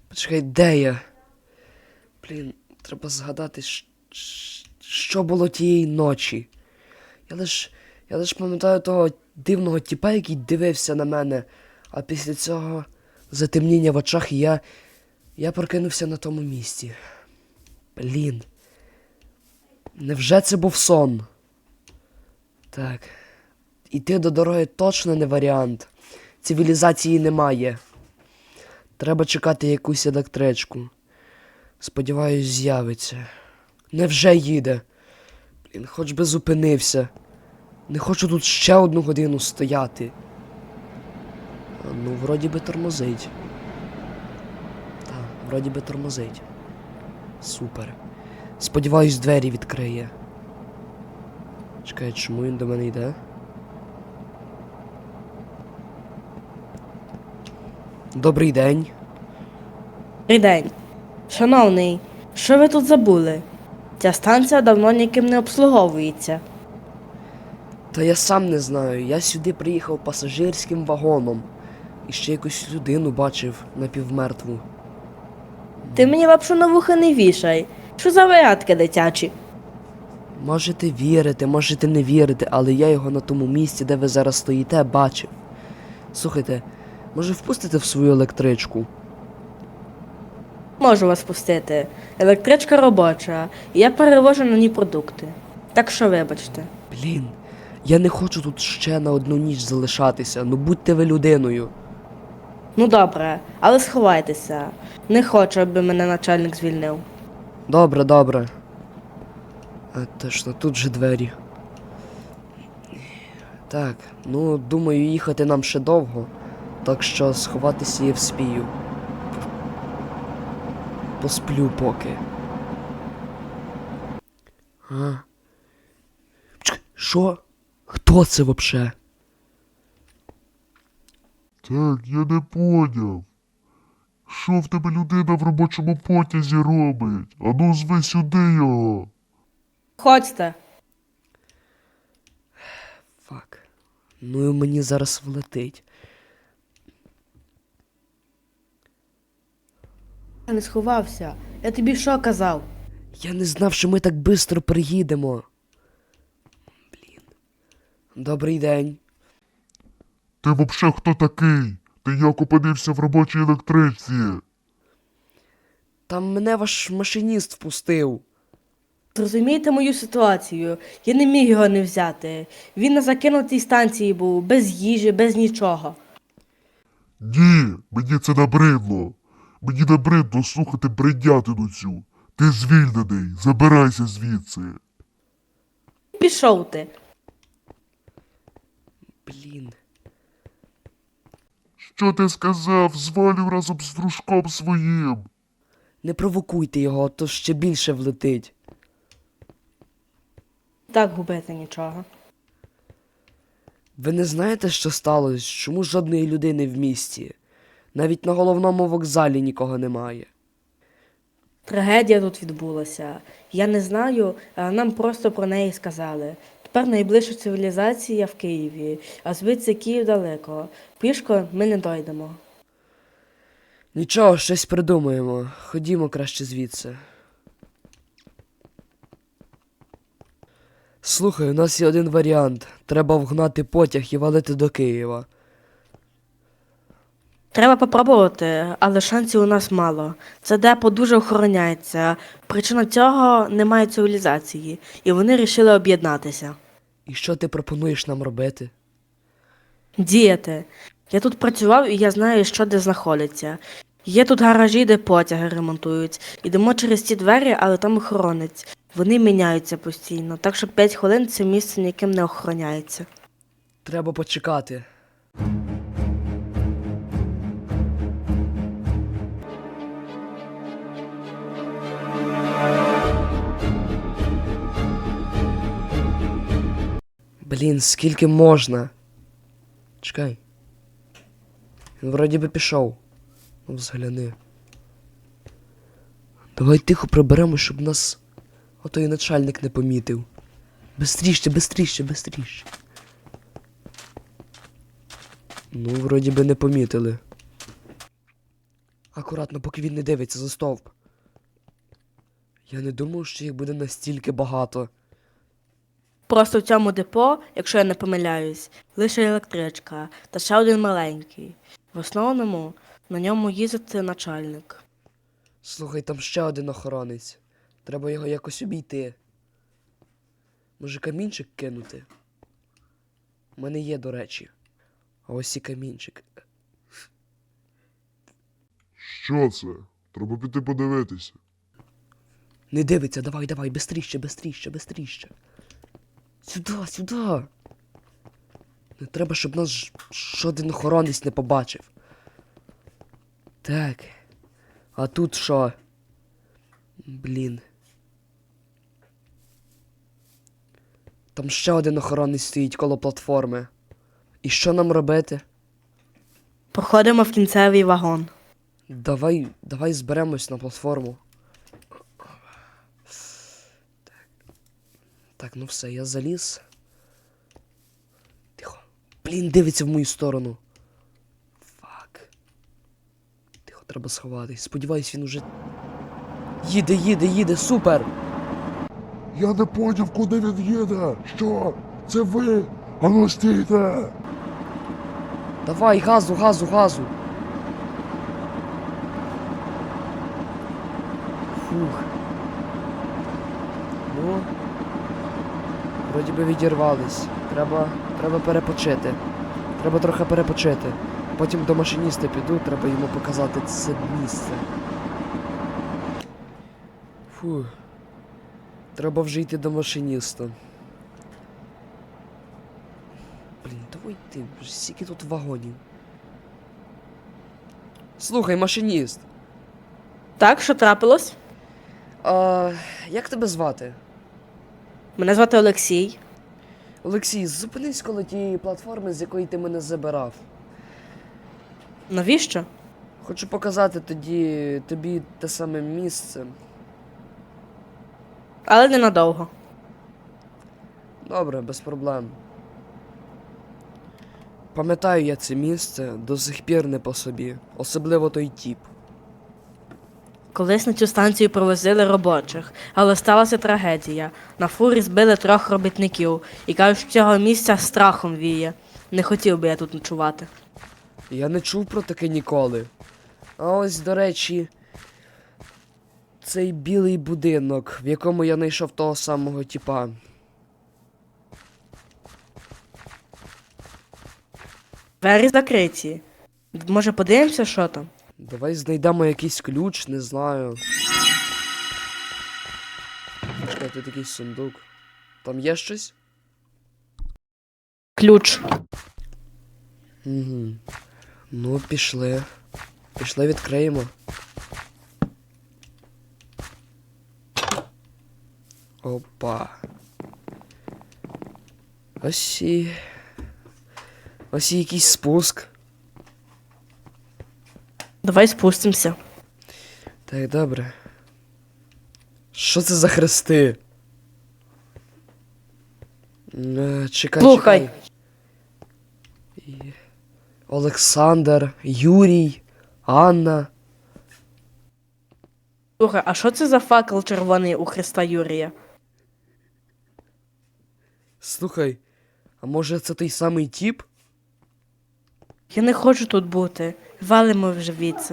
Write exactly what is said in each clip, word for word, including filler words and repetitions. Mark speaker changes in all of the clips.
Speaker 1: Почекай, де я? Блін, треба згадати, що було тієї ночі. Я лиш, я лиш пам'ятаю того дивного тіпа, який дивився на мене, а після цього затемніння в очах, і я, я прокинувся на тому місці. Блін. Невже це був сон? Так. Іти до дороги точно не варіант. Цивілізації немає. Треба чекати якусь електричку. Сподіваюсь, з'явиться. Невже їде? Блін, хоч би зупинився. Не хочу тут ще одну годину стояти. А, ну, вроді би тормозить. Так, вроді би тормозить. Супер. Сподіваюсь, двері відкриє. Чекай, чому він до мене йде? Добрий день.
Speaker 2: Добрий день. Шановний, що ви тут забули? Ця станція давно ніким не обслуговується.
Speaker 1: Та я сам не знаю. Я сюди приїхав пасажирським вагоном. І ще якусь людину бачив напівмертву.
Speaker 2: Ти мені лапшу на вуха не вішай. Що за варятки дитячі?
Speaker 1: Можете вірити, можете не вірити, але я його на тому місці, де ви зараз стоїте, бачив. Слухайте, може впустите в свою електричку?
Speaker 2: Можу вас пустити. Електричка робоча, і я перевожу на ній продукти. Так що вибачте.
Speaker 1: Блін, я не хочу тут ще на одну ніч залишатися, ну будьте ви людиною.
Speaker 2: Ну добре, але сховайтеся. Не хочу, аби мене начальник звільнив.
Speaker 1: Добре, добре. А, точно, тут же двері. Так, ну, думаю, їхати нам ще довго, так що сховатися я вспію. Посплю поки. А? Чекай, що? Хто це вообще?
Speaker 3: Так, я не поняв. Що в тебе людина в робочому потязі робить? Ану, зви сюди його.
Speaker 2: Ходьте.
Speaker 1: Фак. Ну і мені зараз влетить.
Speaker 2: Я не сховався. Я тобі що казав?
Speaker 1: Я не знав, що ми так швидко приїдемо. Блін. Добрий день.
Speaker 3: Ти вообще хто такий? Ти як опинився в робочій електричці?
Speaker 1: Там мене ваш машиніст впустив.
Speaker 2: Зрозумійте мою ситуацію. Я не міг його не взяти. Він на закинутій станції був, без їжі, без нічого.
Speaker 3: Ні, мені це набридло. Мені набридло слухати бредятину цю. Ти звільнений, забирайся звідси.
Speaker 2: Пішов ти.
Speaker 1: Блін.
Speaker 3: Що ти сказав? Звалю разом з дружком своїм.
Speaker 1: Не провокуйте його, то ще більше влетить.
Speaker 2: Так губити нічого.
Speaker 1: Ви не знаєте, що сталося? Чому жодної людини в місті? Навіть на головному вокзалі нікого немає.
Speaker 2: Трагедія тут відбулася. Я не знаю, а нам просто про неї сказали. Тепер найближча цивілізація в Києві, а звідси Київ далеко. Пішко ми не дойдемо.
Speaker 1: Нічого, щось придумаємо. Ходімо краще звідси. Слухай, у нас є один варіант. Треба вгнати потяг і валити до Києва.
Speaker 2: Треба попробувати, але шансів у нас мало. Це депо дуже охороняється. Причина цього – немає цивілізації, і вони вирішили об'єднатися.
Speaker 1: І що ти пропонуєш нам робити?
Speaker 2: Діяти. Я тут працював, і я знаю, що де знаходиться. Є тут гаражі, де потяги ремонтують. Ідемо через ці двері, але там охоронець. Вони міняються постійно, так що п'ять хвилин це місце ніким не охороняється.
Speaker 1: Треба почекати. Блін, скільки можна? Чекай. Він вроді би пішов. Ну, взгляни. Давай тихо приберемо, щоб нас отой начальник не помітив. Бистріше, бистріше, бистріше. Ну, вроді би не помітили. А акуратно, поки він не дивиться за стовп. Я не думав, що їх буде настільки багато.
Speaker 2: Просто в цьому депо, якщо я не помиляюсь, лише електричка та ще один маленький. В основному на ньому їздить начальник.
Speaker 1: Слухай, там ще один охоронець. Треба його якось обійти. Може, камінчик кинути? У мене є, до речі. А ось і камінчик.
Speaker 3: Що це? Треба піти подивитися.
Speaker 1: Не дивиться, давай, давай, бистріще, бистріще, бистріще. Сюди, сюди. Не треба, щоб нас ж- жоден охоронець не побачив. Так. А тут що? Блін. Там ще один охоронець стоїть коло платформи. І що нам робити?
Speaker 2: Проходимо в кінцевий вагон.
Speaker 1: Давай, давай зберемось на платформу. Так. Так, ну все, я заліз. Тихо. Блін, дивиться в мою сторону. Фак. Тихо, треба сховатись. Сподіваюсь, він уже. Їде, їде, їде, супер!
Speaker 3: Я не поняв, куди він їде. Що? Це ви? Ану стійте!
Speaker 1: Давай, газу, газу, газу. Фух. Ну. Вроді би відірвались. Треба. Треба перепочити. Треба трохи перепочити. Потім до машиніста піду, треба йому показати це місце. Фух. Треба вже йти до машиніста. Блін, давай ти, вже скільки тут вагонів. Слухай, машиніст.
Speaker 2: Так, що трапилось?
Speaker 1: А, як тебе звати?
Speaker 2: Мене звати Олексій.
Speaker 1: Олексій, зупинись коло тієї платформи, з якої ти мене забирав.
Speaker 2: Навіщо?
Speaker 1: Хочу показати тоді тобі те саме місце.
Speaker 2: Але ненадовго.
Speaker 1: Добре, без проблем. Пам'ятаю я це місце, до сих пір не по собі. Особливо той тіп.
Speaker 2: Колись на цю станцію провозили робочих, але сталася трагедія. На фурі збили трьох робітників і кажуть, що цього місця страхом віє. Не хотів би я тут ночувати.
Speaker 1: Я не чув про таке ніколи. А ось, до речі, цей білий будинок, в якому я знайшов того самого тіпа.
Speaker 2: Двері закриті. Може, подивимося, що там?
Speaker 1: Давай знайдемо якийсь ключ, не знаю. Чекай, тут якийсь сундук. Там є щось?
Speaker 2: Ключ.
Speaker 1: Угу. Ну, пішли. Пішли, відкриємо. Опа. Ось і... Ось і якийсь спуск.
Speaker 2: Давай спустимося.
Speaker 1: Так, добре. Що це за хрести? Е, чекай,
Speaker 2: Слухай.
Speaker 1: чекай. І... Олександр, Юрій, Анна.
Speaker 2: Слухай, а що це за факел червоний у Христа Юрія?
Speaker 1: Слухай, а може це той самий тіп?
Speaker 2: Я не хочу тут бути. Валимо вже звідси.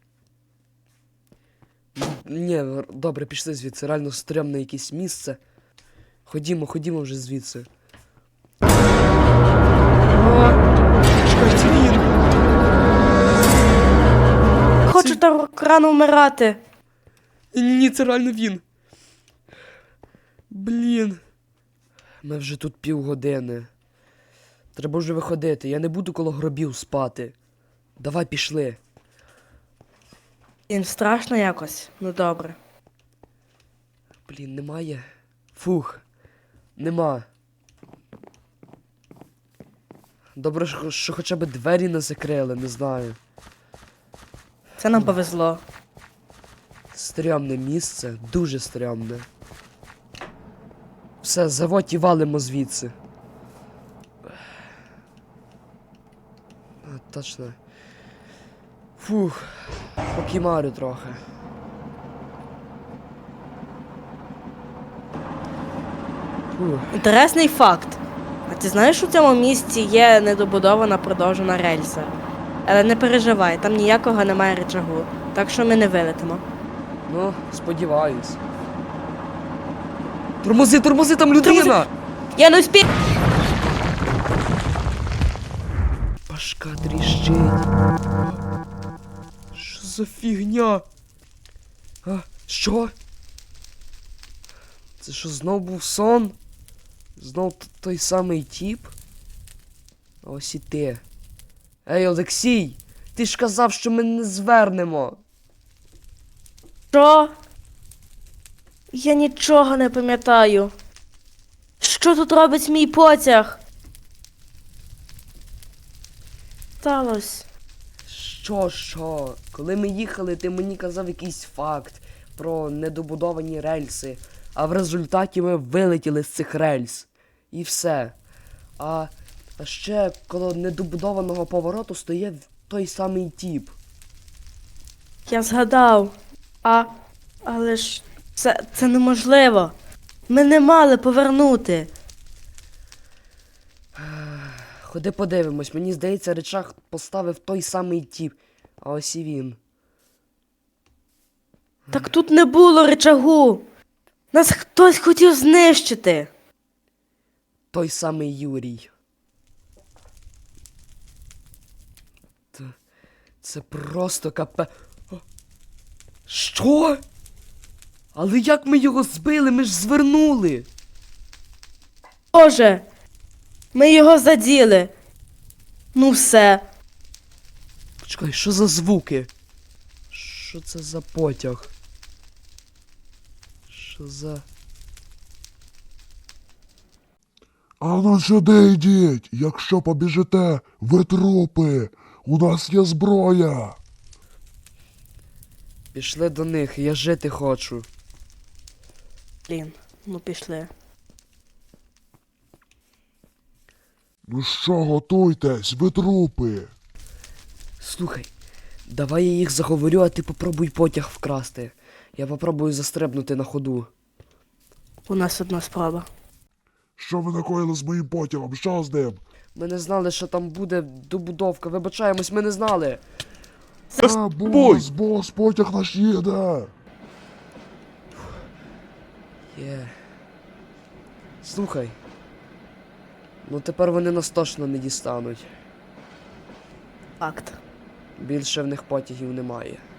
Speaker 1: Ні, добре, пішли звідси. Реально стрьомне якесь місце. Ходімо, ходімо вже звідси. Чекай, це він!
Speaker 2: Хочу так рано вмирати.
Speaker 1: Ні, ні, це реально він. Блін. Ми вже тут півгодини. Треба вже виходити. Я не буду коло гробів спати. Давай пішли.
Speaker 2: Їм страшно якось. Ну добре.
Speaker 1: Блін, немає. Фух. Нема. Добре, що, що хоча б двері не закрили, не знаю.
Speaker 2: Це нам повезло.
Speaker 1: Стрьомне місце, дуже стрьомне. Все, заводь і валимо звідси. А, точно. Фух. Покімарю трохи. Фух.
Speaker 2: Інтересний факт. А ти знаєш, що у цьому місці є недобудована продовжена рельса? Але не переживай, там ніякого немає рычагу, так що ми не вилетимо.
Speaker 1: Ну, сподіваюсь. Тормози, тормози, там людина!
Speaker 2: Я не успію!
Speaker 1: Башка тріщить. Що за фігня? А, що? Це що, знов був сон? Знов т- той самий тіп? А ось і ти. Ей, Олексій! Ти ж казав, що ми не звернемо.
Speaker 2: Що? Я нічого не пам'ятаю. Що тут робить мій потяг? Сталось.
Speaker 1: Що, що? Коли ми їхали, ти мені казав якийсь факт про недобудовані рельси, а в результаті ми вилетіли з цих рельс. І все. А, а ще коло недобудованого повороту стоїть той самий тіп.
Speaker 2: Я згадав. А. Але ж це, це неможливо. Ми не мали повернути.
Speaker 1: Ходи подивимось, мені здається, речах поставив той самий тіп. А ось і він.
Speaker 2: Так тут не було рычагу. Нас хтось хотів знищити.
Speaker 1: Той самий Юрій. Т- Це просто капе. О, що? Але як ми його збили? Ми ж звернули.
Speaker 2: Боже, ми його заділи. Ну все.
Speaker 1: Почекай, що за звуки? Що це за потяг? Що за...
Speaker 3: А ну сюди йдіть, якщо побіжите, ви трупи, у нас є зброя.
Speaker 1: Пішли до них, я жити хочу.
Speaker 2: Блін, ну пішли.
Speaker 3: Ну що, готуйтесь, ви трупи.
Speaker 1: Слухай, давай я їх заговорю, а ти попробуй потяг вкрасти. Я попробую застрибнути на ходу.
Speaker 2: У нас одна спроба.
Speaker 3: Що ви накоїли з моїм потягом? Що з ним?
Speaker 1: Ми не знали, що там буде добудовка. Вибачаємось, ми не знали.
Speaker 3: А, бос, бос, потяг наш їде.
Speaker 1: Є. Слухай. Ну тепер вони нас точно не дістануть.
Speaker 2: Факт.
Speaker 1: Більше в них потягів немає.